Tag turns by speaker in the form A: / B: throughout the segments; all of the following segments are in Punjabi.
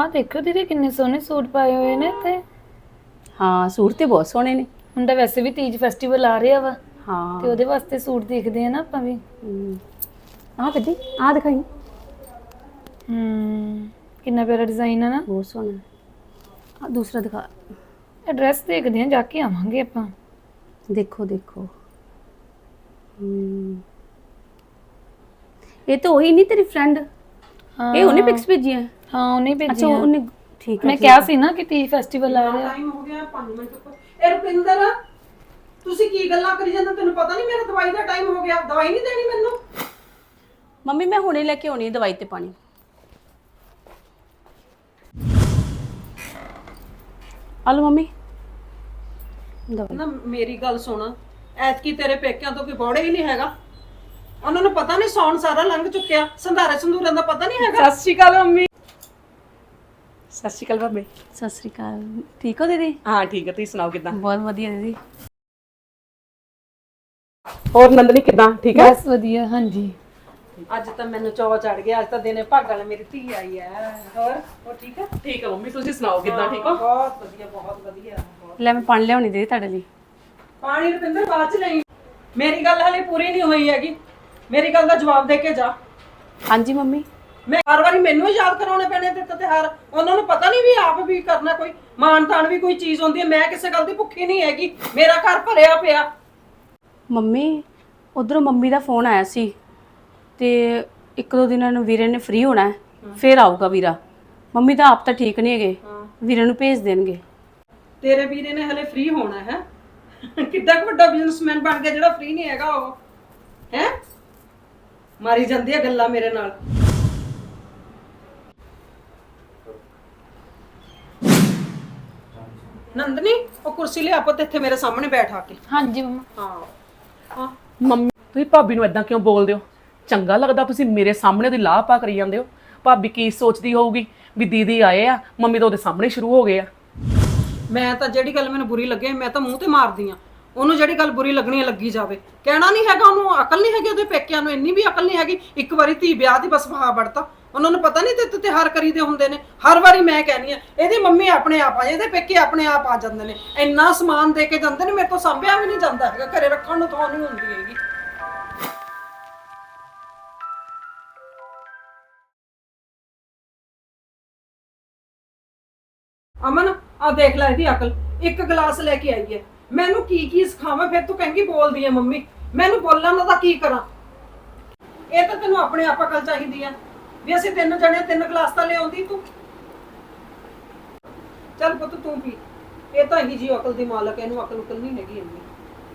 A: ਆਹ ਦੇਖੋ ਦੀਦੀ ਕਿੰਨੇ ਸੋਹਣੇ ਸੂਟ ਪਾਏ ਹੋਏ ਨੇ ਤੇ
B: ਹਾਂ ਸੂਟ ਤੇ ਬਹੁਤ ਸੋਹਣੇ ਨੇ।
A: ਹੁਣ ਤਾਂ ਵੈਸੇ ਵੀ ਤੀਜ ਫੈਸਟੀਵਲ ਆ ਰਿਹਾ ਵਾ ਤੇ
B: ਹਾਂ
A: ਉਹਦੇ ਵਾਸਤੇ ਸੂਟ ਦੇਖਦੇ ਆ ਨਾ ਆਪਾਂ ਵੀ।
B: ਆਹ ਕੱਢੀ ਆਹ ਦਿਖਾਈ
A: ਕਿੰਨਾ ਪਿਆਰਾ ਡਿਜ਼ਾਈਨ ਆ ਨਾ।
B: ਬਹੁਤ ਸੋਹਣਾ। ਆ ਦੂਸਰਾ ਦਿਖਾ।
A: ਐਡਰੈਸ ਦੇਖਦੇ ਆ, ਜਾ ਕੇ ਆਵਾਂਗੇ ਆਪਾਂ।
B: ਦੇਖੋ ਦੇਖੋ ਇਹ ਤਾਂ ਉਹੀ ਨਹੀਂ ਤੇਰੀ ਫਰੈਂਡ? ਇਹ ਉਹਨੇ ਪਿਕਸ ਭੇਜੀਆਂ?
A: ਹਾਂ ਉਹਨੇ
B: ਅੱਛਾ
A: ਭੇਜੀਆਂ।
B: ਉਹਨੇ ਠੀਕ ਹੈ।
A: ਮੈਂ ਕਿਹਾ ਸੀ ਨਾ ਕਿ ਤੀਜ ਫੈਸਟੀਵਲ ਆ ਰਿਹਾ।
C: ਟਾਈਮ ਹੋ ਗਿਆ 5 ਮਿੰਟ ਉੱਪਰ। ਇਹ ਰੁਪਿੰਦਰ ਤੁਸੀਂ ਕੀ ਗੱਲਾਂ ਕਰੀ ਜਾਂਦੇ? ਤੈਨੂੰ ਪਤਾ ਨਹੀਂ ਮੇਰਾ ਦਵਾਈ ਦਾ ਟਾਈਮ ਹੋ ਗਿਆ? ਦਵਾਈ ਨਹੀਂ ਦੇਣੀ ਮੈਨੂੰ?
B: ਮੰਮੀ ਮੈਂ ਹੁਣੇ ਲੈ ਕੇ ਆਉਣੀ ਹੈ ਦਵਾਈ ਤੇ ਪਾਣੀ। ਆਲੋ ਮੰਮੀ ਦਵਾਈ।
C: ਨਾ ਮੇਰੀ ਗੱਲ ਸੁਣ, ਐਤਕੀ ਤੇਰੇ ਪੇਕਿਆਂ ਤੋਂ ਕੋਈ ਬੋੜੇ ਹੀ ਨਹੀਂ ਹੈਗਾ। ਉਹਨਾਂ ਨੂੰ ਪਤਾ ਨਹੀਂ ਸੌਣ ਸਾਰਾ ਲੰਘ ਚੁੱਕਿਆ, ਸੰਧਾਰੇ ਸੰਧੂਰਾਂ ਦਾ ਪਤਾ ਨਹੀਂ ਹੈਗਾ।
D: ਸਤਿ ਸ਼੍ਰੀ ਅਕਾਲ ਮੰਮੀ। ਸਤਿ ਸ਼੍ਰੀ ਅਕਾਲ ਭਾਬੀ।
B: ਸਤਿ ਸ੍ਰੀ ਅਕਾਲ। ਠੀਕ ਹੋ ਦੀਦੀ?
D: ਹਾਂ ਠੀਕ ਹੈ, ਤੁਸੀਂ ਸੁਣਾਓ ਕਿਦਾਂ?
B: ਬਹੁਤ ਵਧੀਆ ਦੀਦੀ।
D: ਹੋਰ ਨੰਦਨੀ ਕਿਦਾਂ? ਠੀਕ ਹੈ
A: ਬਸ ਵਧੀਆ। ਹਾਂਜੀ
C: ਅੱਜ ਤਾਂ ਮੈਨੂੰ ਚੌ ਚੜ ਗਿਆ। ਅੱਜ ਤਾਂ ਦਿਨੇ ਭਾਗਾਂ ਨਾਲ ਮੇਰੀ ਧੀ ਆਈ ਹੈ। ਹੋਰ ਠੀਕ ਹੈ?
D: ਠੀਕ ਹੈ ਮੰਮੀ, ਤੁਸੀਂ ਸੁਣਾਓ ਕਿਦਾਂ? ਠੀਕ ਹੋ?
C: ਬਹੁਤ ਵਧੀਆ, ਬਹੁਤ ਵਧੀਆ।
B: ਲੈ ਮੈਂ ਪਾਣੀ ਲਿਆਉਣੀ ਦੀਦੀ ਤੁਹਾਡੇ ਲਈ।
C: ਪਾਣੀ ਰੁਪਿੰਦਰ ਬਾਅਦ ਚ ਲਈ। ਮੇਰੀ ਗੱਲ ਹਲੇ ਪੂਰੀ ਨਹੀਂ ਹੋਈ ਹੈਗੀ। ਮੇਰੀ ਗੱਲ ਦਾ ਜਵਾਬ ਦੇ ਕੇ ਜਾ।
B: ਹਾਂਜੀ ਮੰਮੀ।
C: ਮੈਂ ਹਰ ਵਾਰੀ ਮੈਨੂੰ ਹੀ ਯਾਦ ਕਰਾਉਣੇ ਪੈਣੇ ਤੇ ਤਿਉਹਾਰ। ਉਹਨਾਂ ਨੂੰ ਪਤਾ ਨਹੀਂ ਵੀ ਆਪ ਵੀ ਕਰਨਾ, ਕੋਈ ਮਾਣ ਤਾਣ ਵੀ ਕੋਈ ਚੀਜ਼ ਹੁੰਦੀ ਹੈ। ਮੈਂ ਕਿਸੇ ਗੱਲ ਦੀ ਭੁੱਖੀ ਨਹੀਂ ਹੈਗੀ। ਮੇਰਾ ਘਰ ਭਰਿਆ ਪਿਆ।
B: ਮੰਮੀ ਉਧਰੋਂ ਮੰਮੀ ਦਾ ਫੋਨ ਆਇਆ ਸੀ ਤੇ ਇੱਕ ਦੋ ਦਿਨਾਂ ਨੂੰ ਵੀਰੇ ਨੇ ਫ੍ਰੀ ਹੋਣਾ ਹੈ, ਫਿਰ ਆਊਗਾ ਵੀਰਾ। ਮੰਮੀ ਤਾਂ ਆਪ ਤਾਂ ਠੀਕ ਨਹੀਂ ਹੈਗੇ, ਵੀਰੇ ਨੂੰ ਭੇਜ ਦੇਣਗੇ।
C: ਤੇਰੇ ਵੀਰੇ ਨੇ ਹਲੇ ਫ੍ਰੀ ਹੋਣਾ ਹੈ? ਕਿੱਡਾ ਕੁ ਵੱਡਾ ਬਿਜ਼ਨਸਮੈਨ ਬਣ ਗਿਆ ਜਿਹੜਾ ਫ੍ਰੀ ਨਹੀਂ ਹੈਗਾ ਉਹ ਹੈ। ਮਾਰੀ ਜਾਂਦੀ ਹੈ ਗੱਲਾਂ ਮੇਰੇ ਨਾਲ। ਨੰਦਨੀ ਉਹ ਕੁਰਸੀ ਲਿਆ ਪੁੱਤ, ਇੱਥੇ ਮੇਰੇ ਸਾਹਮਣੇ ਬੈਠ ਆ ਕੇ।
A: ਹਾਂਜੀ ਮੰਮਾ।
C: ਹਾਂ
D: ਮੰਮੀ ਤੁਸੀਂ ਭਾਬੀ ਨੂੰ ਇਦਾਂ ਕਿਉਂ ਬੋਲਦੇ ਹੋ? ਚੰਗਾ ਲੱਗਦਾ ਤੁਸੀਂ ਮੇਰੇ ਸਾਹਮਣੇ ਉਹਦੀ ਲਾਹ ਪਾ ਕਰੀ ਜਾਂਦੇ ਹੋ? ਭਾਬੀ ਕੀ ਸੋਚਦੀ ਹੋਊਗੀ ਵੀ ਦੀਦੀ ਆਏ ਆ, ਮੰਮੀ ਤਾਂ ਉਹਦੇ ਸਾਹਮਣੇ ਸ਼ੁਰੂ ਹੋ ਗਏ ਆ।
C: ਮੈਂ ਤਾਂ ਜਿਹੜੀ ਗੱਲ ਮੈਨੂੰ ਬੁਰੀ ਲੱਗੇ ਮੈਂ ਤਾਂ ਮੂੰਹ ਤੇ ਮਾਰਦੀ ਆ। ਉਹਨੂੰ ਜਿਹੜੀ ਗੱਲ ਬੁਰੀ ਲੱਗਣੀ ਹੈ ਲੱਗੀ ਜਾਵੇ। ਕਹਿਣਾ ਨਹੀਂ ਹੈਗਾ ਉਹਨੂੰ, ਅਕਲ ਨਹੀਂ ਹੈਗੀ ਉਹਦੇ ਪੇਕਿਆਂ ਨੂੰ, ਇੰਨੀ ਵੀ ਅਕਲ ਨਹੀਂ ਹੈਗੀ। ਇੱਕ ਵਾਰੀ ਧੀ ਵਿਆਹ ਦੀ ਬਸ ਵਹਾ ਵੜਤਾ। ਉਹਨਾਂ ਨੂੰ ਪਤਾ ਨਹੀਂ ਤੇ ਤਿਉਹਾਰ ਕਰੀਦੇ ਹੁੰਦੇ ਨੇ। ਹਰ ਵਾਰੀ ਮੈਂ ਕਹਿੰਦੀ ਆ ਇਹਦੀ ਮੰਮੀ ਆਪਣੇ ਆਪ ਆ, ਇਹਦੇ ਪੇਕੇ ਆਪਣੇ ਆਪ ਆ ਜਾਂਦੇ ਨੇ। ਇੰਨਾ ਸਮਾਨ ਦੇ ਕੇ ਜਾਂਦੇ ਨੇ, ਮੇਰੇ ਤੋਂ ਸਾਂਭਿਆ ਵੀ ਨਹੀਂ ਜਾਂਦਾ ਹੈਗਾ। ਘਰੇ ਰੱਖਣ ਨੂੰ ਥਾਂ ਨਹੀਂ ਹੁੰਦੀ ਹੈਗੀ। ਅਮਨ ਆ ਦੇਖ ਲੈ ਇਹਦੀ ਅਕਲ। ਇੱਕ ਗਲਾਸ ਲੈ ਕੇ ਆਈ ਹੈ। ਮੈਨੂੰ ਕੀ ਕੀ ਸਿਖਾਵਾਂ? ਫਿਰ ਤੂੰ ਕਹਿੰਗੀ ਬੋਲਦੀ ਹੈ ਮੰਮੀ। ਮੈਨੂੰ ਬੋਲਣ ਦਾ ਤਾਂ ਕੀ ਕਰਾਂ? ਇਹ ਤਾਂ ਤੈਨੂੰ ਆਪਣੇ ਆਪ ਅਕਲ ਚਾਹੀਦੀ ਆ ਵੀ ਅਸੀਂ ਤਿੰਨ ਜਣੇ 3 ਗਲਾਸ ਤਾਂ ਲਿਆਉਂਦੀ ਤੂੰ। ਚੱਲ ਪੁੱਤ ਤੂੰ ਪੀ। ਇਹ ਤਾਂ ਹੀ ਜੀ ਅਕਲ ਦੀ ਮਾਲਕ, ਇਹਨੂੰ ਅਕਲ ਉਕਲ ਨਹੀਂ ਹੈਗੀ ਇੰਨੀ।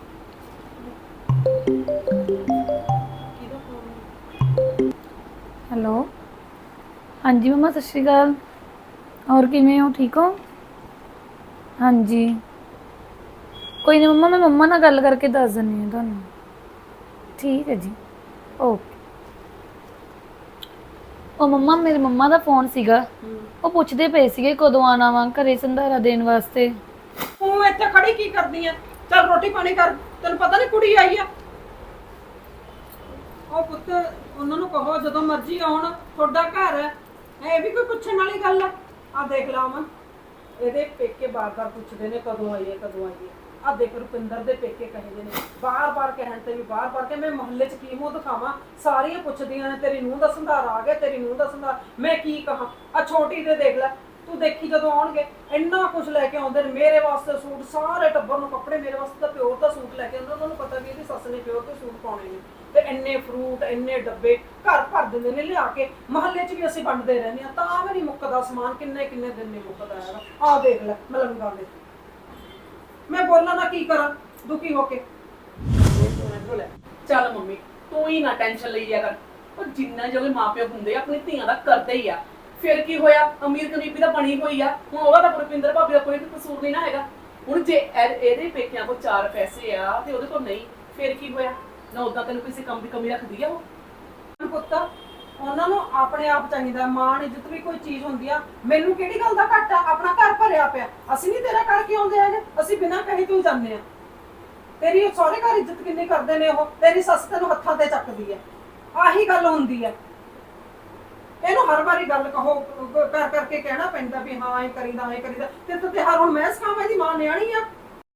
C: ਕਿਹਦਾ ਫੋਨ?
A: ਹੈਲੋ। ਹਾਂਜੀ ਮੰਮਾ ਸਤਿ ਸ਼੍ਰੀ ਅਕਾਲ। ਹੋਰ ਕਿਵੇਂ ਹੋ? ਠੀਕ ਹੋ? ਹਾਂਜੀ ਕੋਈ ਨਹੀਂ ਮੰਮਾ, ਮੈਂ ਮੰਮਾ ਨਾਲ ਗੱਲ ਕਰਕੇ ਦੱਸ ਦਿੰਦੀ ਹਾਂ ਤੁਹਾਨੂੰ। ਠੀਕ ਹੈ ਜੀ, ਓਕੇ। ਉਹ ਮੰਮਾ ਮੇਰੇ ਮੰਮਾ ਦਾ ਫੋਨ ਸੀਗਾ, ਉਹ ਪੁੱਛਦੇ ਪਏ ਸੀਗੇ ਕਦੋਂ ਆਣਾ ਵਾ ਘਰੇ ਸੰਧਾਰਾ ਦੇਣ ਵਾਸਤੇ।
C: ਤੂੰ ਇੱਥੇ ਖੜੀ ਕੀ ਕਰਦੀ ਆ? ਚੱਲ ਰੋਟੀ ਪਾਣੀ ਕਰ। ਤੈਨੂੰ ਪਤਾ ਨਹੀਂ ਕੁੜੀ ਆਈ ਆ। ਉਹ ਪੁੱਤ ਉਹਨਾਂ ਨੂੰ ਕਹੋ ਜਦੋਂ ਮਰਜ਼ੀ ਆਉਣ, ਤੁਹਾਡਾ ਘਰ ਹੈ। ਇਹ ਵੀ ਕੋਈ ਪੁੱਛਣ ਵਾਲੀ ਗੱਲ ਆ? ਆ ਦੇਖ ਲਾ ਅਮਨ, ਇਹਦੇ ਪੇਕੇ ਬਾਰ-ਬਾਰ ਪੁੱਛਦੇ ਨੇ ਕਦੋਂ ਆਈਏ ਕਦੋਂ ਆਈਏ। ਆ ਦੇਖ ਰੁਪਿੰਦਰ ਦੇ ਪੇਕੇ ਕਹਿੰਦੇ ਨੇ ਬਾਰ-ਬਾਰ ਕਹਿਣ ਤੇ ਵੀ ਬਾਰ-ਬਾਰ ਕੇ ਮੈਂ ਮੁਹੱਲੇ 'ਚ ਕੀ ਮੂੰਹ ਦਿਖਾਵਾਂ? ਸਾਰੀਆਂ ਪੁੱਛਦੀਆਂ ਨੇ ਤੇਰੀ ਨੂੰਹ ਦਾ ਸੰਧਾਰਾ ਆ ਗਿਆ, ਤੇਰੀ ਨੂੰਹ ਦਾ ਸੰਧਾਰਾ। ਮੈਂ ਕੀ ਕਹਾਂ? ਆ ਛੋਟੀ ਦੇ ਦੇਖ ਲੈ ਤੂੰ, ਦੇਖੀ ਜਦੋਂ ਆਉਣਗੇ ਇੰਨਾ ਕੁਝ ਲੈ ਕੇ ਆਉਂਦੇ ਨੇ। ਮੇਰੇ ਵਾਸਤੇ ਸੂਟ, ਸਾਰੇ ਟੱਬਰ ਨੂੰ ਕੱਪੜੇ। ਮੇਰੇ ਵਾਸਤੇ ਤਾਂ ਪਿਓਰ ਦਾ ਸੂਟ ਲੈ ਕੇ ਆਉਂਦੇ। ਉਹਨਾਂ ਨੂੰ ਪਤਾ ਵੀ ਇਹਦੀ ਸੱਸ ਨੇ ਪਿਓਰ ਦੇ ਸੂਟ ਪਾਉਣੇ ਨੇ। ਤੇ ਇੰਨੇ ਫਰੂਟ, ਇੰਨੇ ਡੱਬੇ ਘਰ ਭਰ ਦਿੰਦੇ ਨੇ ਲਿਆ ਕੇ। ਮੁਹੱਲੇ 'ਚ ਵੀ ਅਸੀਂ ਵੰਡਦੇ ਰਹਿੰਦੇ ਆ, ਤਾਂ ਵੀ ਨਹੀਂ ਮੁੱਕਦਾ ਸਮਾਨ। ਕਿੰਨੇ ਕਿੰਨੇ ਦਿਨ ਨਹੀਂ ਮੁੱਕਦਾ ਹੈਗਾ। ਆਹ ਦੇਖ ਲੈ ਮਲੰਗਾਂ ਦੇ। ਮੈਂ ਬੋਲਾਂ ਨਾ ਕੀ ਕਰਾਂ ਦੁਖੀ ਹੋ ਕੇ।
D: ਚੱਲ ਮੰਮੀ ਤੂੰ ਹੀ ਨਾ ਟੈਨਸ਼ਨ ਲਈ ਜਾ ਕਰ। ਉਹ ਜਿੰਨਾ ਜਿਹੜੇ ਮਾਪਿਓ ਹੁੰਦੇ ਆ ਆਪਣੀ ਧੀਆਂ ਦਾ ਕਰਦੇ ਹੀ ਆ। ਫਿਰ ਕੀ ਹੋਇਆ? ਅਮੀਰ ਗਰੀਬੀ ਤਾਂ ਬਣੀ ਹੋਈ ਆ। ਹੁਣ ਉਹਦਾ ਤਾਂ ਰੁਪਿੰਦਰ ਭਾਬੀ ਦਾ ਕੋਈ ਕਸੂਰ ਨਹੀਂ ਨਾ ਹੈਗਾ। ਹੁਣ ਜੇ ਇਹਦੇ ਪੇਕਿਆਂ ਕੋਲ 4 ਪੈਸੇ ਆ ਤੇ ਉਹਦੇ ਕੋਲ ਨਹੀਂ, ਫਿਰ ਕੀ ਹੋਇਆ? ਨਾ ਉਦਾਂ ਤੈਨੂੰ ਕਿਸੇ ਕੰਮ ਦੀ ਕਮੀ ਰੱਖਦੀ ਆ ਉਹ?
C: ਪੁੱਤ ਉਹਨਾਂ ਨੂੰ ਆਪਣੇ ਆਪ ਚਾਹੀਦਾ ਮਾਣ ਇੱਜ਼ਤ ਵੀ ਕੋਈ ਚੀਜ਼ ਹੁੰਦੀ ਆ। ਮੈਨੂੰ ਕਿਹੜੀ ਗੱਲ ਦਾ ਘੱਟ ਆ? ਆਪਣਾ ਘਰ ਭਰਿਆ ਪਿਆ। ਅਸੀਂ ਨਹੀਂ ਤੇਰਾ ਕਰਕੇ ਆਉਂਦੇ ਹੈਗੇ, ਅਸੀਂ ਬਿਨਾਂ ਕਹੇ ਤੋਂ ਜਾਂਦੇ ਆ। ਤੇਰੀ ਸਹੁਰੇ ਘਰ ਇੱਜ਼ਤ ਕਿੰਨੀ ਕਰਦੇ ਨੇ ਉਹ। ਤੇਰੀ ਸੱਸ ਤੈਨੂੰ ਹੱਥਾਂ ਤੇ ਚੱਕਦੀ ਹੈ। ਆਹੀ ਗੱਲ ਹੁੰਦੀ ਹੈ। ਇਹਨੂੰ ਹਰ ਵਾਰੀ ਗੱਲ ਕਹੋ ਕਰ ਕਰਕੇ ਕਹਿਣਾ ਪੈਂਦਾ ਵੀ ਹਾਂ ਐ ਕਰੀਦਾ ਤੇ ਹਰ ਹੁਣ ਮੈਂ ਸਿਖਾਵਾਂ, ਇਹਦੀ ਮਾਂ ਨਿਆਣੀ ਆ।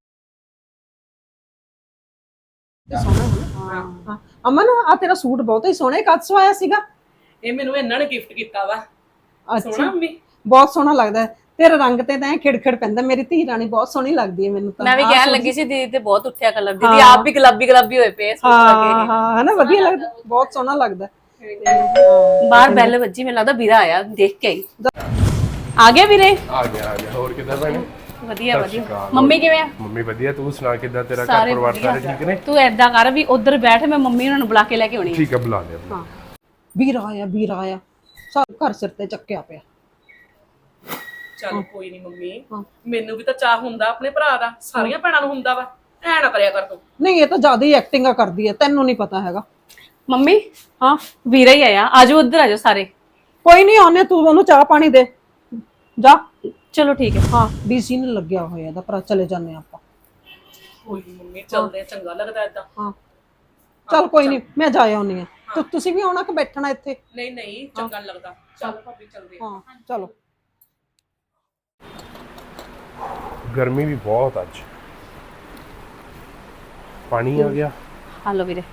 C: ਹਾਂ ਅਮਨ, ਆ ਤੇਰਾ ਸੂਟ ਬਹੁਤ ਹੀ ਸੋਹਣਾ, ਕਦ ਸਵਾਇਆ ਸੀਗਾ?
D: ਇਹ ਮੈਨੂੰ ਇਹਨਾਂ ਨੇ ਗਿਫਟ ਕੀਤਾ ਵਾ। ਸੋਹਣਾ ਮੰਮੀ,
C: ਬਹੁਤ ਸੋਹਣਾ ਲੱਗਦਾ ਹੈ। ਤੇਰੇ ਰੰਗ ਤੇ ਤਾਂ ਖਿੜਖਿੜ ਪੈਂਦਾ। ਮੇਰੀ ਧੀ ਰਾਣੀ ਬਹੁਤ ਸੋਹਣੀ ਲੱਗਦੀ ਹੈ ਮੈਨੂੰ ਤਾਂ।
B: ਮੈਂ ਵੀ ਕਹਿਣ ਲੱਗੀ ਸੀ ਦੀਦੀ ਤੇ ਬਹੁਤ ਉੱਠਿਆ ਕਲਰ, ਦੀਦੀ ਆਪ ਵੀ ਗੁਲਾਬੀ ਹੋਏ ਪਏ ਸੂਟ
C: ਹਾਂ ਹਾਂ, ਹੈ ਨਾ, ਵਧੀਆ ਲੱਗਦਾ, ਬਹੁਤ ਸੋਹਣਾ ਲੱਗਦਾ।
B: ਬਾਹਰ ਬੈਲ ਵੱਜੀ, ਮੈਨੂੰ ਲੱਗਦਾ ਵੀਰਾ ਆਇਆ, ਦੇਖ ਕੇ ਆਈ। ਆ ਗਿਆ ਵੀਰੇ?
E: ਆ ਗਿਆ ਹੋਰ ਕਿੱਦਾਂ ਭੈਣੇ?
B: ਵਧੀਆ ਵਧੀਆ। ਮੰਮੀ ਕਿਵੇਂ ਆ?
E: ਮੰਮੀ ਵਧੀਆ, ਤੂੰ ਸੁਣਾ ਕਿੱਦਾਂ, ਤੇਰਾ ਘਰ
B: ਸਾਰੇ
E: ਪਰਿਵਾਰ
B: ਵਧੀਆ।
E: ਸਾਰੇ ਠੀਕ ਨੇ?
B: ਤੂੰ ਏਦਾਂ ਕਰ ਵੀ ਉਧਰ ਬੈਠ, ਮੈਂ ਮੰਮੀ ਉਹਨਾਂ ਨੂੰ ਬੁਲਾ ਕੇ ਲੈ ਕੇ ਆਉਣੀ ਆ।
E: ਠੀਕ ਆ, ਬੁਲਾ ਲਿਆ।
B: ਹਾਂ
C: ਵੀਰਾ ਆਇਆ ਸਭ ਘਰ ਸਿਰ ਤੇ ਚੱਕਿਆ ਪਿਆ।
D: ਚੱਲ ਕੋਈ ਨਹੀਂ ਮੰਮੀ, ਮੈਨੂੰ ਵੀ ਤਾਂ ਚਾਹ ਹੁੰਦਾ ਆਪਣੇ ਭਰਾ ਦਾ, ਸਾਰੀਆਂ ਭੈਣਾਂ ਨੂੰ ਹੁੰਦਾ ਵਾ, ਐ ਨਾ ਕਰਿਆ ਕਰ ਤੂੰ।
C: ਨਹੀਂ, ਇਹ ਤਾਂ ਜ਼ਿਆਦਾ ਹੀ ਐਕਟਿੰਗਾਂ ਕਰਦੀ ਹੈ, ਤੈਨੂੰ ਨਹੀਂ ਪਤਾ ਹੈਗਾ।
B: ਮੰਮੀ ਹਾਂ ਵੀਰਾ ਹੀ ਆਇਆ, ਆਜੋ ਉਧਰ ਆਜੋ ਸਾਰੇ।
C: ਕੋਈ ਨਹੀਂ ਆਉਨੇ, ਤੂੰ ਉਹਨੂੰ ਚਾਹ ਪਾਣੀ ਦੇ ਜਾ।
B: ਚਲੋ ਠੀਕ ਹੈ।
C: ਹਾਂ, ਡੀਸੀ ਨੇ ਲੱਗਿਆ ਹੋਇਆ ਇਹਦਾ ਭਰਾ, ਚਲੇ ਜਾਂਦੇ ਆਪਾਂ।
D: ਕੋਈ ਨੀ ਮੰਮੀ, ਚੱਲਦੇ ਆ, ਚੰਗਾ ਲੱਗਦਾ ਏਦਾਂ।
C: ਹਾਂ ਚੱਲ ਕੋਈ ਨਹੀਂ, ਮੈਂ ਜਾ ਆਉਣੀ ਆ। ਤੁਸੀਂ ਵੀ ਆਉਣਾ ਕਿ ਬੈਠਣਾ ਇੱਥੇ?
D: ਨਹੀਂ ਚੰਗਾ ਨੀ ਲੱਗਦਾ। ਚੱਲ ਭਾਬੀ ਚੱਲਦੇ ਆ।
C: ਹਾਂ ਚਲੋ।
E: ਗਰਮੀ ਵੀ ਬਹੁਤ ਅੱਜ। ਪਾਣੀ ਆ ਗਿਆ।
B: ਹਾਲੋ ਵੀਰੇ।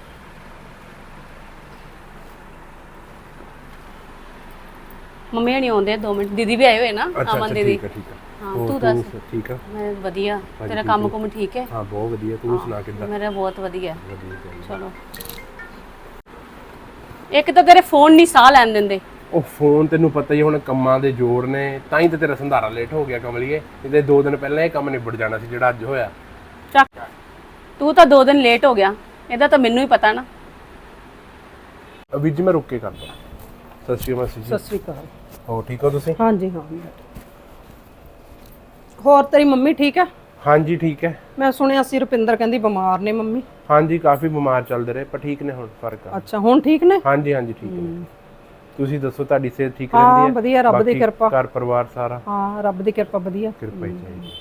B: ਮੰਮੀ ਹਣੀ ਆਉਂਦੇ 2 ਮਿੰਟ, ਦੀਦੀ ਵੀ ਆਏ ਹੋਏ ਨਾ, ਅਮਨ ਦੀਦੀ।
E: ਠੀਕ ਆ।
B: ਹਾਂ
E: ਹੋਰ
B: ਤੂੰ ਦੱਸ।
E: ਠੀਕ ਆ?
B: ਮੈਂ ਵਧੀਆ, ਤੇਰਾ ਕੰਮ ਕੁਮ ਠੀਕ ਹੈ?
E: ਹਾਂ ਬਹੁਤ ਵਧੀਆ, ਤੂੰ ਸੁਣਾ ਕਿੱਦਾਂ?
B: ਮੇਰਾ ਬਹੁਤ ਵਧੀਆ।
E: ਵਧੀਆ ਚਾਹੀਦਾ।
B: ਚਲੋ, ਇੱਕ ਤਾਂ ਤੇਰੇ ਫੋਨ ਨਹੀਂ ਸਾਹ ਲੈਣ ਦਿੰਦੇ।
E: ਉਹ ਫੋਨ ਤੈਨੂੰ ਪਤਾ ਹੀ, ਹੁਣ ਕੰਮਾਂ ਦੇ ਜ਼ੋਰ ਨੇ, ਤਾਂ ਹੀ ਤੇ ਤੇਰਾ ਸੰਧਾਰਾ ਲੇਟ ਹੋ ਗਿਆ ਕਮਲੀਏ। ਇਹਦੇ 2 ਦਿਨ ਪਹਿਲਾਂ ਇਹ ਕੰਮ ਨਿਬੜ ਜਾਣਾ ਸੀ ਜਿਹੜਾ ਅੱਜ ਹੋਇਆ।
B: ਚੱਕ, ਤੂੰ ਤਾਂ 2 ਦਿਨ ਲੇਟ ਹੋ ਗਿਆ, ਇਹਦਾ ਤਾਂ ਮੈਨੂੰ ਹੀ ਪਤਾ ਨਾ।
E: ਵੀਰ ਜੀ ਮੈਂ ਰੁੱਕ ਕੇ ਕਰਦਾ। ਸਤਿ ਸ਼੍ਰੀ ਅਕਾਲ ਮਾਸੀ ਜੀ।
C: ਸਤਿ ਸ੍ਰੀ ਅਕਾਲ।
E: ਹੋ ਠੀਕ ਹੋ ਤੁਸੀਂ?
C: ਹਾਂਜੀ ਹਾਂ। ਹੋਰ ਤੇਰੀ ਮੰਮੀ ਠੀਕ ਹੈ?
E: ਹਾਂਜੀ ਠੀਕ ਹੈ।
C: ਮੈਂ ਸੁਣਿਆ ਸੀ ਰੁਪਿੰਦਰ ਕਹਿੰਦੀ ਬਿਮਾਰ ਨੇ ਮੰਮੀ।
E: ਹਾਂਜੀ ਕਾਫੀ ਬਿਮਾਰ ਚੱਲਦੇ ਰਹੇ, ਪਰ ਠੀਕ ਨੇ ਹੁਣ, ਫਰਕ ਆ।
C: ਅੱਛਾ, ਹੁਣ ਠੀਕ ਨੇ?
E: ਹਾਂਜੀ ਠੀਕ ਨੇ। ਤੁਸੀਂ ਦੱਸੋ, ਤੁਹਾਡੀ ਸਿਹਤ ਠੀਕ
C: ਹਾਂ
E: ਰਹਿੰਦੀ ਹੈ?
C: ਵਧੀਆ, ਰੱਬ ਦੀ
E: ਬਾਕੀ
C: ਕਿਰਪਾ।
E: ਘਰ ਪਰਿਵਾਰ ਸਾਰਾ?
C: ਹਾਂ ਰੱਬ ਦੀ ਕਿਰਪਾ, ਵਧੀਆ
E: ਕਿਰਪਾ ਹੀ ਚਾਹੀਦੀ।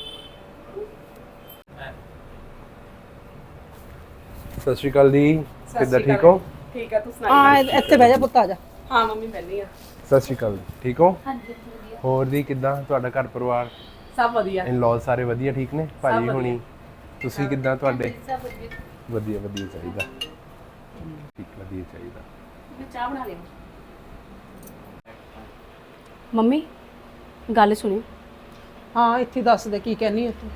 E: ਸਤਿ ਸ਼੍ਰੀ ਅਕਾਲ ਜੀ, ਕਿੱਦਾਂ, ਠੀਕ ਹੋ?
D: ਠੀਕ ਆ, ਤੂੰ ਸੁਣਾ?
C: ਹਾਂ ਇੱਥੇ ਬਹਿ ਜਾ ਪੁੱਤ, ਆ ਜਾ।
D: ਹਾਂ ਮੰਮੀ ਬੈਠੀ ਆ।
E: ਸਤਿ ਸ਼੍ਰੀ ਅਕਾਲ, ਠੀਕ ਹੋ?
A: ਹਾਂਜੀ ਵਧੀਆ।
E: ਹੋਰ ਦੀ ਕਿੱਦਾਂ, ਤੁਹਾਡਾ ਘਰ ਪਰਿਵਾਰ,
D: ਸਭ ਵਧੀਆ।
E: ਇਨ-ਲॉज ਸਾਰੇ ਵਧੀਆ ਠੀਕ ਨੇ? ਭਾਜੀ ਹੁਣੀ, ਤੁਸੀਂ ਕਿੱਦਾਂ, ਤੁਹਾਡੇ?
A: ਸਭ ਵਧੀਆ।
E: ਵਧੀਆ ਚਾਹੀਦਾ। ਠੀਕ, ਵਧੀਆ ਚਾਹੀਦਾ।
B: ਮੈਂ ਚਾਹ ਬਣਾ ਲਿਆ। ਮੰਮੀ ਗੱਲ ਸੁਣੀ।
C: ਹਾਂ ਇੱਥੇ ਦੱਸ ਦੇ ਕੀ ਕਹਿਨੀ ਹੈ ਤੂੰ।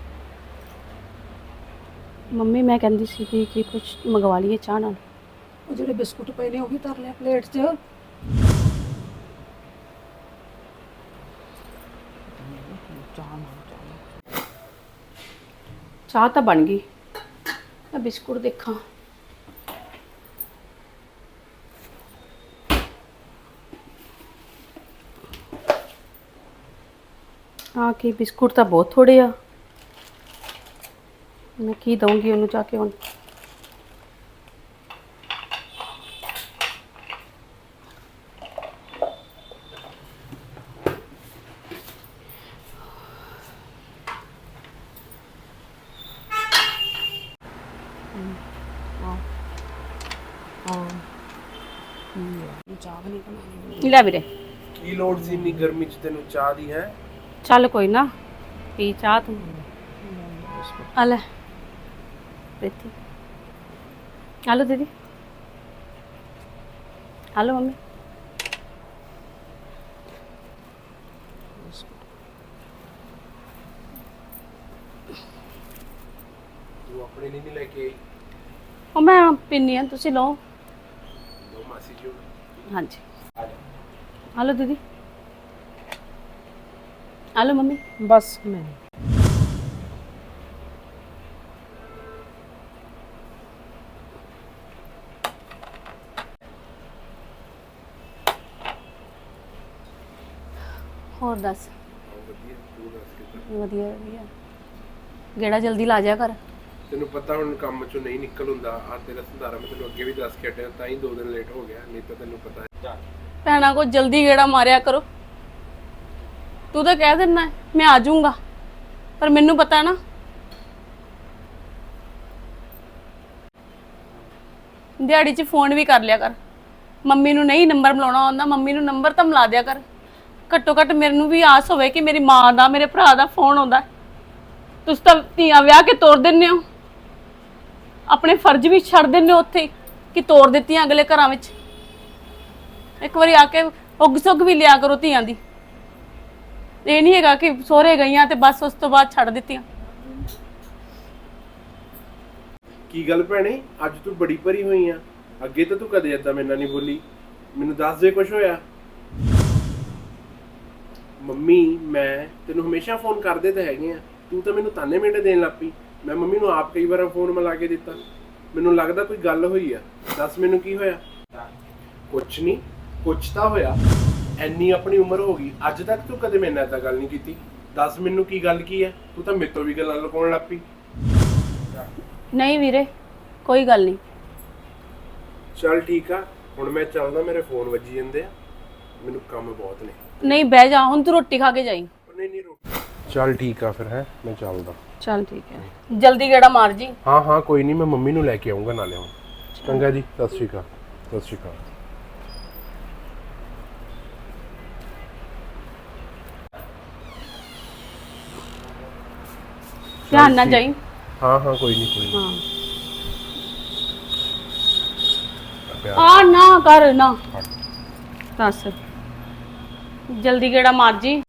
B: ਮੰਮੀ ਮੈਂ ਕਹਿੰਦੀ ਸੀ ਕਿ ਕੁਝ ਮੰਗਵਾ ਲਈਏ ਚਾਹ ਨਾਲ।
C: ਉਹ ਜਿਹੜੇ ਬਿਸਕੁਟ ਪਏ ਨੇ ਉਹ ਵੀ ਧਰ ਲਿਆ ਪਲੇਟ 'ਚ।
B: ਚਾਹ ਤਾਂ ਬਣ ਗਈ, ਮੈਂ ਬਿਸਕੁਟ ਦੇਖਾਂ। ਆ ਕੀ ਬਿਸਕੁਟ ਤਾਂ ਬਹੁਤ ਥੋੜੇ ਆ, ਮੈਂ ਕੀ ਦਊਂਗੀ ਉਹਨੂੰ ਜਾ ਕੇ ਹੁਣ। ਚਾਹ ਨਹੀਂ ਬਣਾਉਣੀ ਲੈ ਵੀਰੇ।
E: ਕੀ ਲੋੜ ਸੀ ਇੰਨੀ ਗਰਮੀ 'ਚ ਤੈਨੂੰ ਚਾਹ ਦੀ? ਹੈ
B: ਚੱਲ ਕੋਈ ਨਾ, ਪੀ ਚਾਹ ਤੂੰ। ਆ ਲੈ ਪ੍ਰੀਤੀ, ਆ ਲਓ ਦੀਦੀ, ਆ ਲਓ ਮੰਮੀ।
E: ਤੂੰ ਆਪਣੇ ਲਈ ਨਹੀਂ ਲੈ ਕੇ ਆਈ?
B: ਉਹ ਮੈਂ ਪੀਨੀ ਆ, ਤੁਸੀਂ ਲਓ।
E: ਦੋ ਮਾਸੀ ਜੀ ਨੂੰ।
B: ਹਾਂਜੀ ਆ ਲਓ ਦੀਦੀ, ਆ ਲਓ ਮੰਮੀ।
C: ਬਸ ਮੈਂ
B: ਹੋਰ ਦੱਸ।
E: ਵਧੀਆ, ਤੂੰ ਦੱਸ ਕਿੱਦਾਂ?
B: ਵਧੀਆ ਗੇੜਾ ਜਲਦੀ ਲਾ ਜਾ ਕਰ।
E: ਤੈਨੂੰ ਪਤਾ ਹੁਣ ਕੰਮ 'ਚੋਂ ਨਹੀਂ ਨਿਕਲ ਹੁੰਦਾ। ਆ ਤੇਰਾ ਸੰਧਾਰਾ ਮੈਂ ਤੈਨੂੰ ਅੱਗੇ ਵੀ ਦੱਸ ਕੇ ਹਟਿਆ, ਤਾਂ ਹੀ 2 ਦਿਨ ਲੇਟ ਹੋ ਗਿਆ, ਨਹੀਂ ਤਾਂ ਤੈਨੂੰ ਪਤਾ ਹੈ।
B: ਭੈਣਾਂ ਕੋ ਜਲਦੀ ਗੇੜਾ ਮਾਰਿਆ ਕਰੋ। ਤੂੰ ਤਾਂ ਕਹਿ ਦਿੰਦਾ ਮੈਂ ਆ ਜਾਊਂਗਾ, ਪਰ ਮੈਨੂੰ ਪਤਾ ਨਾ ਦਿਹਾੜੀ 'ਚ ਫੋਨ ਵੀ ਕਰ ਲਿਆ ਕਰ, ਮੰਮੀ ਨੂੰ ਨਹੀਂ ਨੰਬਰ ਮਿਲਾਉਣਾ ਆਉਂਦਾ, ਮੰਮੀ ਨੂੰ ਨੰਬਰ ਤਾਂ ਮਿਲਾ ਦਿਆ ਕਰ। ਘੱਟੋ ਘੱਟ ਮੈਨੂੰ ਵੀ ਆਸ ਹੋਵੇ ਕਿ ਮੇਰੀ ਮਾਂ ਦਾ, ਮੇਰੇ ਭਰਾ ਦਾ ਫੋਨ ਆਉਂਦਾ। ਤੁਸੀਂ ਤਾਂ ਧੀਆਂ ਵਿਆਹ ਕੇ ਤੋਰ ਦਿੰਦੇ ਹੋ, ਆਪਣੇ ਫਰਜ਼ ਵੀ ਛੱਡ ਦਿੰਦੇ ਹੋ ਉੱਥੇ ਕਿ ਤੋਰ ਦਿੱਤੀਆਂ ਅਗਲੇ ਘਰਾਂ ਵਿੱਚ। ਇੱਕ ਵਾਰੀ ਆ ਕੇ ਉੱਗ ਸੁੱਗ ਵੀ ਲਿਆ ਕਰੋ ਧੀਆਂ ਦੀ। ਇਹ ਨਹੀਂ ਹੈਗਾ ਕਿ ਸਹੁਰੇ ਗਈਆਂ ਤੇ ਬਸ ਉਸ ਤੋਂ ਬਾਅਦ ਛੱਡ ਦਿੱਤੀਆਂ।
E: ਕੀ ਗੱਲ ਭੈਣੇ, ਅੱਜ ਤੂੰ ਬੜੀ ਭਰੀ ਹੋਈ ਆ। ਅੱਗੇ ਤਾਂ ਤੂੰ ਕਦੇ ਏਦਾਂ ਮੇਰੇ ਨਾਲ ਨਹੀਂ ਬੋਲੀ। ਮੈਨੂੰ ਦੱਸ ਦੇ ਕੁਝ ਹੋਇਆ। ਮੰਮੀ ਮੈਂ ਤੈਨੂੰ ਹਮੇਸ਼ਾ ਫੋਨ ਕਰਦੇ ਤਾਂ ਹੈਗੇ ਆ, ਤੂੰ ਤਾਂ ਮੈਨੂੰ ਤਾਨੇ ਮਿੰਟ ਦੇਣ ਲੱਗ ਪਈ। ਮੈਂ ਮੰਮੀ ਨੂੰ ਆਪ ਕਈ ਵਾਰ ਫੋਨ ਮਿਲਾ ਕੇ ਦਿੱਤਾ। ਮੈਨੂੰ ਲੱਗਦਾ ਕੋਈ ਗੱਲ ਹੋਈ ਆ। ਦੱਸ ਮੈਨੂੰ ਕੀ ਹੋਇਆ। ਕੁਛ ਨਹੀਂ, ਕੁਛ ਤਾਂ ਹੋਇਆ। ਐਨੀ ਆਪਣੀ ਉਮਰ ਹੋ ਗਈ, ਅੱਜ ਤੱਕ ਤੂੰ ਕਦੇ ਮੇਰੇ ਨਾਲ ਏਦਾਂ ਗੱਲ ਨਹੀਂ ਕੀਤੀ। ਦੱਸ ਮੈਨੂੰ ਕੀ ਗੱਲ ਕੀ ਹੈ। ਤੂੰ ਤਾਂ ਮੇਰੇ ਤੋਂ ਵੀ ਗੱਲਾਂ ਲੁਕਾਉਣ ਲੱਗ ਪਈ।
B: ਨਹੀਂ ਵੀਰੇ, ਕੋਈ ਗੱਲ ਨਹੀਂ।
E: ਚੱਲ ਠੀਕ ਆ, ਹੁਣ ਮੈਂ ਚੱਲਦਾ, ਮੇਰੇ ਫੋਨ ਵੱਜੀ ਜਾਂਦੇ ਆ, ਮੈਨੂੰ ਕੰਮ ਬਹੁਤ ਨੇ।
B: ਨਹੀਂ ਬਹਿ ਜਾ, ਹੁਣ ਤੂੰ ਰੋਟੀ ਖਾ ਕੇ ਜਾਈਂ।
E: ਨਹੀਂ ਚੱਲ ਠੀਕ ਆ ਫਿਰ, ਹੈ ਮੈਂ ਚੱਲਦਾ।
B: ਚੱਲ ਠੀਕ ਹੈ, ਜਲਦੀ ਗੇੜਾ ਮਾਰ ਜੀ।
E: ਹਾਂ ਹਾਂ ਕੋਈ ਨਹੀਂ, ਮੈਂ ਮੰਮੀ ਨੂੰ ਲੈ ਕੇ ਆਉਂਗਾ ਨਾਲੇ ਹੁਣ। ਚੰਗਾ ਜੀ, ਸਤਿ ਸ਼੍ਰੀ ਅਕਾਲ। ਸਤਿ ਸ਼੍ਰੀ ਅਕਾਲ।
B: ਧਿਆਨ ਨਾਲ ਜਾਈਂ।
E: ਹਾਂ ਹਾਂ ਕੋਈ ਨਹੀਂ
B: ਹਾਂ ਆ ਨਾ ਕਰ ਨਾ ਦੱਸ, ਜਲਦੀ ਗੇੜਾ ਮਾਰ ਜੀ।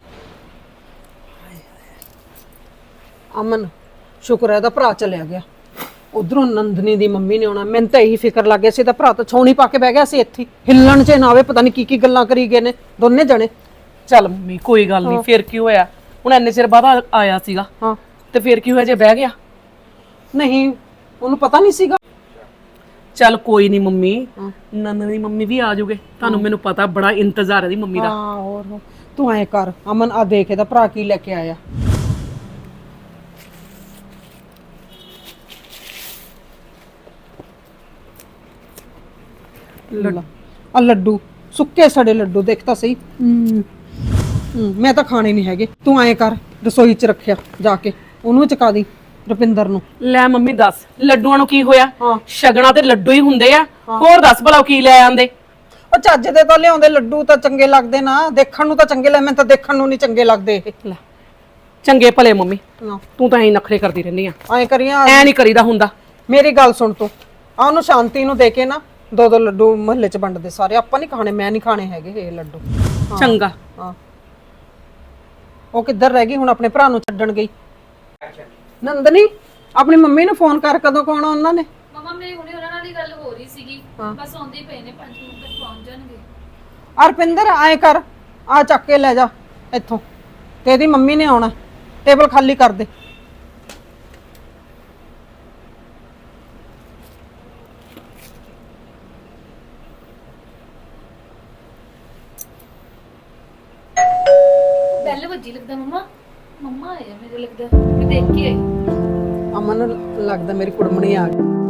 C: ਅਮਨ ਸ਼ੁਕਰ ਹੈ ਇਹਦਾ ਭਰਾ ਚਲਿਆ ਗਿਆ। ਉਧਰੋਂ ਨੰਦਨੀ ਦੀ ਮੰਮੀ ਨੇ ਆਉਣਾ। ਮੈਨੂੰ ਤਾਂ ਇਹੀ ਫਿਕਰ ਲੱਗ ਗਿਆ ਸੀ ਇਹਦਾ ਭਰਾ ਤਾਂ ਛੌਣੀ ਪਾ ਕੇ ਬਹਿ ਗਿਆ ਸੀ ਇੱਥੇ, ਹਿੱਲਣ 'ਚ ਨਾ ਆਵੇ। ਪਤਾ ਨਹੀਂ ਕੀ ਗੱਲਾਂ ਕਰੀ ਗਏ ਨੇ ਦੋਨੇ ਜਣੇ।
D: ਚੱਲ ਮੰਮੀ ਕੋਈ ਗੱਲ ਨਹੀਂ, ਫਿਰ ਕੀ ਹੋਇਆ, ਹੁਣ ਇੰਨੇ ਚਿਰ ਬਾਅਦ ਆਇਆ ਸੀਗਾ।
C: ਹਾਂ
D: ਤੇ ਫਿਰ ਕੀ ਹੋਇਆ ਜੇ ਬਹਿ ਗਿਆ।
C: ਨਹੀਂ, ਉਹਨੂੰ ਪਤਾ ਨਹੀਂ ਸੀਗਾ।
D: ਚੱਲ ਕੋਈ ਨਹੀਂ ਮੰਮੀ, ਨੰਨ ਦੀ ਮੰਮੀ ਵੀ ਆ ਜਾਊਗੇ। ਤੁਹਾਨੂੰ ਮੈਨੂੰ ਪਤਾ ਬੜਾ ਇੰਤਜ਼ਾਰ ਹੈ ਦੀ ਮੰਮੀ ਦਾ।
C: ਹਾਂ ਹੋਰ ਤੂੰ ਐ ਕਰ ਅਮਨ, ਆ ਦੇਖ ਇਹਦਾ ਭਰਾ ਕੀ ਲੈ ਕੇ ਆਇਆ। ਆ ਲੱਡੂ, ਸੁੱਕੇ ਸੜੇ ਲੱਡੂ, ਦੇਖ ਤਾਂ ਸਹੀ। ਮੈਂ ਤਾਂ ਖਾਣੇ ਨਹੀਂ ਹੈਗੇ। ਤੂੰ ਐ ਕਰ ਰਸੋਈ 'ਚ ਰੱਖਿਆ, ਜਾ ਕੇ ਉਹਨੂੰ ਚਕਾ ਦੀ ਰੁਪਿੰਦਰ ਨੂੰ।
D: ਲੈ ਮੰਮੀ ਦੱਸ, ਲੱਡੂਆਂ ਨੂੰ ਕੀ ਹੋਇਆ?
C: ਹਾਂ।
D: ਸ਼ਗਨਾਂ ਤੇ ਲੱਡੂ ਹੀ ਹੁੰਦੇ ਆ। ਹੋਰ ਦੱਸ ਭਲਾ ਕੀ ਲੈ ਆਂਦੇ?
C: ਉਹ ਚੱਜ ਦੇ ਤਾਂ ਲਿਆਉਂਦੇ, ਲੱਡੂ ਤਾਂ ਚੰਗੇ ਲੱਗਦੇ ਨਾ, ਦੇਖਣ ਨੂੰ ਤਾਂ ਚੰਗੇ ਲੈ, ਮੈਨੂੰ ਤਾਂ ਦੇਖਣ ਨੂੰ ਨਹੀਂ ਚੰਗੇ ਲੱਗਦੇ ਇਹ।
D: ਲੈ ਚੰਗੇ ਭਲੇ ਮੰਮੀ,
C: ਨਾ
D: ਤੂੰ ਤਾਂ ਐਂ ਨਖਰੇ ਕਰਦੀ ਰਹਿੰਦੀ ਆ।
C: ਐ ਕਰੀਆਂ,
D: ਐ ਨਹੀਂ ਕਰੀਦਾ ਹੁੰਦਾ।
C: ਮੇਰੀ ਗੱਲ ਸੁਣ ਤੂੰ, ਆ ਉਹਨੂੰ ਸ਼ਾਂਤੀ ਨੂੰ ਦੇ ਕੇ ਨਾ ਦੋ ਦੋ ਲੱਡੂ ਮਹੱਲੇ 'ਚ ਵੰਡਦੇ ਸਾਰੇ। ਆਪਾਂ ਨਹੀਂ ਖਾਣੇ, ਮੈਂ ਨਹੀਂ ਖਾਣੇ ਹੈਗੇ ਇਹ ਲੱਡੂ।
D: ਚੰਗਾ।
C: ਹਾਂ ਉਹ ਕਿੱਧਰ ਰਹਿ ਗਈ ਹੁਣ? ਆਪਣੇ ਭਰਾ ਨੂੰ ਛੱਡਣ ਗਈ। ਨੰਦਨੀ ਆਪਣੀ ਮੰਮੀ ਨੂੰ ਫੋਨ ਕਰ, ਕਦੋਂ ਕੋਣਾ ਉਹਨਾਂ ਨੇ?
A: ਮਮਾ ਮੇਰੀ ਹੁਣੇ ਉਹਨਾਂ ਨਾਲ ਹੀ ਗੱਲ ਹੋ ਰਹੀ ਸੀਗੀ, ਬਸ ਆਉਂਦੇ ਹੀ ਪਏ ਨੇ, 5 ਮਿੰਟ ਤੱਕ ਪਹੁੰਚ ਜਾਣਗੇ।
C: ਅਰਪਿੰਦਰ ਐ ਕਰ, ਆ ਚੱਕ ਕੇ ਲੈ ਜਾ ਇੱਥੋਂ, ਤੇ ਇਹਦੀ ਮੰਮੀ ਨੇ ਆਉਣਾ। ਟੇਬਲ ਖਾਲੀ ਕਰ ਦੇ।
A: ਬੈਲ ਵੱਜੀ ਲੱਗਦਾ ਮਮਾ। ਮਮਾ ਆਇਆ ਮੇਰੇ ਲੱਗਦਾ, ਮੈਂ ਦੇਖ ਕੇ ਆਈ।
C: ਅਮਨ ਨੂੰ ਲੱਗਦਾ ਮੇਰੀ ਕੁੜਮਣੀ ਆ ਗਈ।